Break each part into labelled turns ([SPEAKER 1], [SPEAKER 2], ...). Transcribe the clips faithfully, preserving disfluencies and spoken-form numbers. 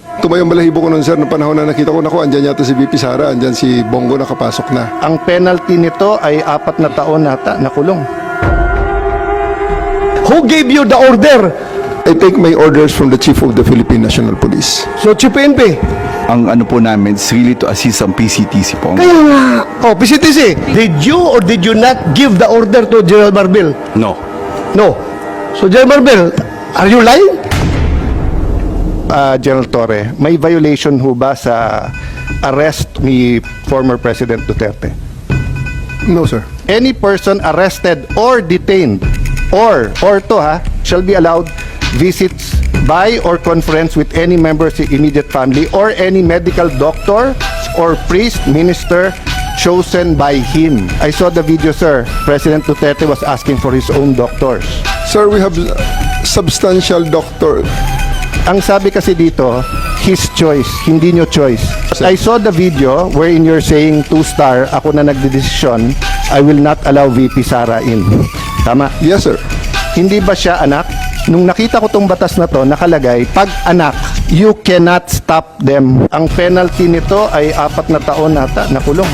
[SPEAKER 1] Tumayong balahibo ko nun, sir, na panahon na nakita ko, naku, andyan yata si V P Sara, andyan si Bongo nakapasok na.
[SPEAKER 2] Ang penalty nito ay apat na taon nata na kulong.
[SPEAKER 3] Who gave you the order?
[SPEAKER 1] I take my orders from the Chief of the Philippine National Police.
[SPEAKER 3] So, Chief P N P.
[SPEAKER 4] Ang ano po namin is really to assist ang P C T C po.
[SPEAKER 3] Kaya nga. Oh, P C T C, did you or did you not give the order to General Marbil?
[SPEAKER 4] No.
[SPEAKER 3] No. So, General Marbil, are you lying?
[SPEAKER 2] Uh, General Torre, may violation ho ba sa arrest ni former President Duterte?
[SPEAKER 1] No, sir.
[SPEAKER 2] Any person arrested or detained or or to ha shall be allowed visits by or conference with any member of the immediate family or any medical doctor or priest minister chosen by him. I saw the video, sir. President Duterte was asking for his own doctors.
[SPEAKER 1] Sir, we have substantial doctor.
[SPEAKER 2] Ang sabi kasi dito, his choice, hindi nyo choice. I saw the video wherein you're saying two-star, ako na nagdedesisyon, I will not allow V P Sara in. Tama?
[SPEAKER 1] Yes, sir.
[SPEAKER 2] Hindi ba siya anak? Nung nakita ko tong batas na to, nakalagay, pag anak, you cannot stop them. Ang penalty nito ay apat na taon nata na kulong.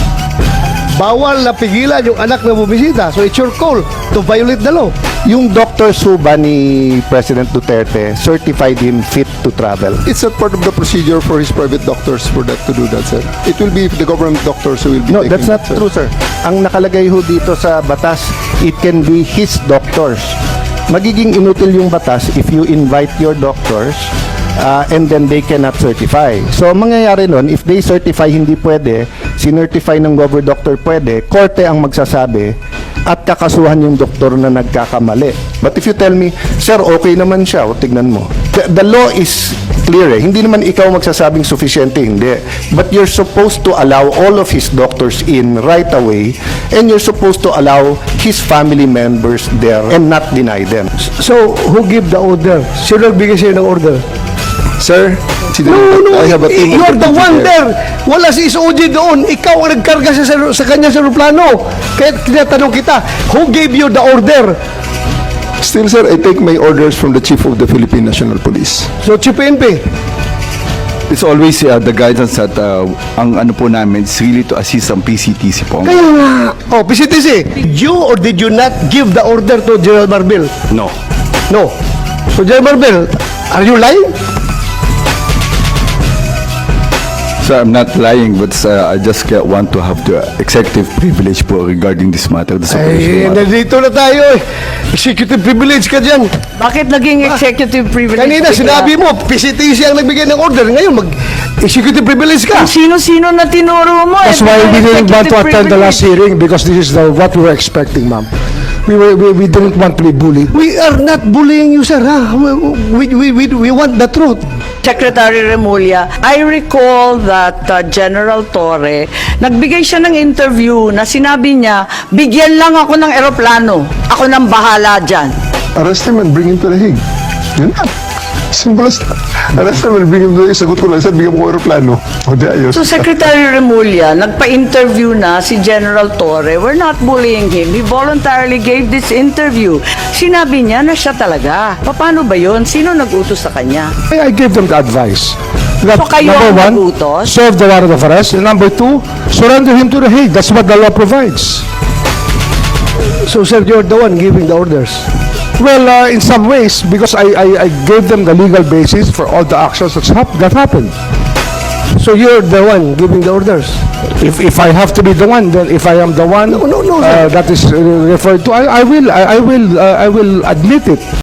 [SPEAKER 3] Bawal na pigilan yung anak na bumisita. So, it's your call to violate the law.
[SPEAKER 2] Yung doctor Suba ni President Duterte certified him fit to travel.
[SPEAKER 1] It's not part of the procedure for his private doctors for that to do that, sir. It will be the government doctors who will be
[SPEAKER 2] No,
[SPEAKER 1] taking
[SPEAKER 2] that's not
[SPEAKER 1] that, sir.
[SPEAKER 2] true, sir. Ang nakalagay ho dito sa batas, it can be his doctors. Magiging inutil yung batas if you invite your doctors uh, and then they cannot certify. So, ang mangyayari nun, if they certify hindi pwede, sinertify ng gover doctor pwede, korte ang magsasabi at kakasuhan yung doktor na nagkakamali. But if you tell me, sir, okay naman siya, o tignan mo. The, the law is clear eh. Hindi naman ikaw magsasabing sufficiente, hindi. But you're supposed to allow all of his doctors in right away and you're supposed to allow his family members there and not deny them.
[SPEAKER 3] So, who give the order? Sino nagbigay sa'yo ng order?
[SPEAKER 1] Sir, si
[SPEAKER 3] No, no,
[SPEAKER 1] I have a team of
[SPEAKER 3] you're the
[SPEAKER 1] deputy
[SPEAKER 3] one
[SPEAKER 1] there.
[SPEAKER 3] there. Wala si S O G doon. Ikaw ang nagkarga sa, sa kanya sa aeroplano. Kaya tinatanong kita, who gave you the order?
[SPEAKER 1] Still, sir, I take my orders from the Chief of the Philippine National Police.
[SPEAKER 3] So, Chief P N P.
[SPEAKER 4] It's always uh, the guidance that uh, ang ano po namin is really to assist ang P C T C po.
[SPEAKER 3] Kaya nga. Oh, P C T C, did you or did you not give the order to General Marbil?
[SPEAKER 4] No.
[SPEAKER 3] No. So, General Marbil, are you lying?
[SPEAKER 4] So I'm not lying, but uh, I just uh, want to have the executive privilege po regarding this matter. This
[SPEAKER 3] Ay,
[SPEAKER 4] operational matter.
[SPEAKER 3] nandito na tayo eh. Executive privilege ka dyan.
[SPEAKER 5] Bakit naging executive privilege?
[SPEAKER 3] Kanina,
[SPEAKER 5] bigla?
[SPEAKER 3] sinabi mo, P C T C ang nagbigay ng order. Ngayon, mag-executive privilege ka.
[SPEAKER 5] Kung sino-sino na tinuro mo.
[SPEAKER 6] That's
[SPEAKER 5] eh,
[SPEAKER 6] why we didn't want to
[SPEAKER 5] executive
[SPEAKER 6] attend the last
[SPEAKER 5] privilege.
[SPEAKER 6] hearing because this is the, what we were expecting, ma'am. We, were, we, we didn't want to be bullied.
[SPEAKER 3] We are not bullying you, sir. Ha? We, we, we, we want the truth.
[SPEAKER 5] Secretary Remulla, I recall that uh, General Torre, nagbigay siya ng interview na sinabi niya, bigyan lang ako ng eroplano. Ako nang bahala dyan.
[SPEAKER 1] Arrest him and bring him to the Hague. Yun na. Simple as that. Arrest him and bring him to the Hague. Sagot ko lang, sir, bigyan mo ko aeroplano. O di ayos.
[SPEAKER 5] So Secretary Remulla, nagpa-interview na si General Torre. We're not bullying him. He voluntarily gave this interview. Sinabi niya na siya talaga. Paano ba yun? Sino nag-utos sa kanya?
[SPEAKER 6] I, I gave them the advice. That,
[SPEAKER 5] So kayo
[SPEAKER 6] number
[SPEAKER 5] ang
[SPEAKER 6] one,
[SPEAKER 5] nagutos?
[SPEAKER 6] serve the warrant of arrest. And number two, surrender him to the Hague. That's what the law provides.
[SPEAKER 3] So, sir, you're the one giving the orders.
[SPEAKER 6] Well, uh, in some ways, because I, I, I gave them the legal basis for all the actions that's hap- that happened.
[SPEAKER 3] So, you're the one giving the orders.
[SPEAKER 6] If, if I have to be the one, then if I am the one
[SPEAKER 3] No, no, no,
[SPEAKER 6] uh,
[SPEAKER 3] sir.
[SPEAKER 6] that is uh, referred to, I, I will, I, I will, uh, I will admit it.